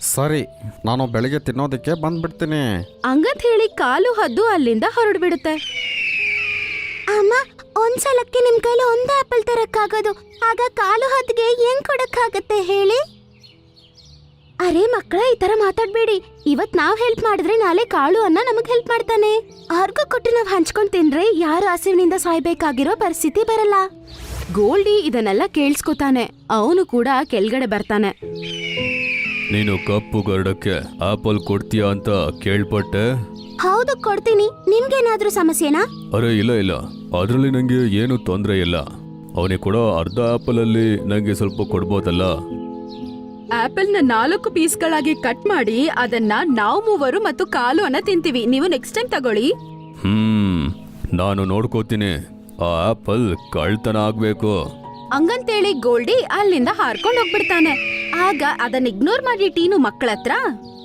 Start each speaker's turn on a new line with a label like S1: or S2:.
S1: ಸರಿ, ನಾನು ಬೆಳಿಗ್ಗೆ ತಿನ್ನೋದಕ್ಕೆ ಬಂದ್ಬಿಡ್ತೀನಿ.
S2: ಹಂಗಂತ ಹೇಳಿ ಕಾಲು ಹದ್ದು ಅಲ್ಲಿಂದ ಹೊರಡ್ಬಿಡುತ್ತೆ. ಅಮ್ಮ, ಒಂದ್ಸಲಕ್ಕೆ ನಿಮ್ ಕೈಲಿ ಒಂದೇ ಆಪಲ್ ತರಕ್ಕಾಗೋದು, ಆಗ ಕಾಲು ಹದ್ಗೆ ಏನ್ ಕೊಡಕ್ಕಾಗತ್ತೆ ಹೇಳಿ? ಅರೆ ಮಕ್ಕಳ, ಈ ತರ ಮಾತಾಡ್ಬೇಡಿ. ಇವತ್ ನಾವ್ ಹೆಲ್ಪ್ ಮಾಡಿದ್ರೆ ನಾಳೆ ಕಾಳು ಅನ್ನ ನಮಗ್ ಹೆಲ್ಪ್ ಮಾಡ್ತಾನೆ. ಅವ್ರಿಗೂ ಕೊಟ್ಟು ನಾವ್ ಹಂಚ್ಕೊಂಡ್ ತಿಂದ್ರೆ ಯಾರು ಹಸಿವಿನಿಂದ ಸಾಯ್ಬೇಕಾಗಿರೋ ಪರಿಸ್ಥಿತಿ ಬರಲ್ಲ. ಗೋಲ್ಡಿ ಇದನ್ನೆಲ್ಲ ಕೇಳಿಸ್ಕೊತಾನೆ. ಅವನು ಕೂಡ ಕೆಳಗಡೆ ಬರ್ತಾನೆ.
S3: ನೀನು ಕಪ್ಪು ಗರುಡಕ್ಕೆ ಆಪಲ್ ಕೊಡ್ತೀಯಾ ಅಂತ ಕೇಳ್ಪಟ್ಟೆ.
S2: ಹೌದು, ಕೊಡ್ತೀನಿ. ನಿಮ್ಗೇನಾದ್ರೂ ಸಮಸ್ಯೆನಾ?
S3: ಅರೆ ಇಲ್ಲ, ಅದರಲ್ಲಿ ನಂಗೆ ಏನು ತೊಂದರೆ ಇಲ್ಲ. ಅವನಿಗೆ ಕೊಡೋ ಅರ್ಧ ಆಪಲ್ ಅಲ್ಲಿ ನಂಗೆ ಸ್ವಲ್ಪ ಕೊಡ್ಬೋದಲ್ಲ?
S2: ಆಪಲ್ ನ 4 ಪೀಸ್ಗಳಾಗಿ ಕಟ್ ಮಾಡಿ ಅದನ್ನ ನಾವು ಮೂವರು ಮತ್ತು ಕಾಲು ಅನ್ನ ತಿಂತೀವಿ. ನೀವು ನೆಕ್ಸ್ಟ್ ಟೈಮ್ ತಗೊಳ್ಳಿ.
S3: ನಾನು ನೋಡ್ಕೋತೀನಿ. ಆ ಆಪಲ್ ಕಳ್ತನ ಆಗ್ಬೇಕು.
S2: ಹಂಗಂತೇಳಿ ಗೋಲ್ಡಿ ಅಲ್ಲಿಂದ ಹಾರ್ಕೊಂಡು ಹೋಗ್ಬಿಡ್ತಾನೆ. ಆಗ ಅದನ್ನ ಇಗ್ನೋರ್ ಮಾಡಿ ಟೀನು ಮಕ್ಕಳತ್ರ,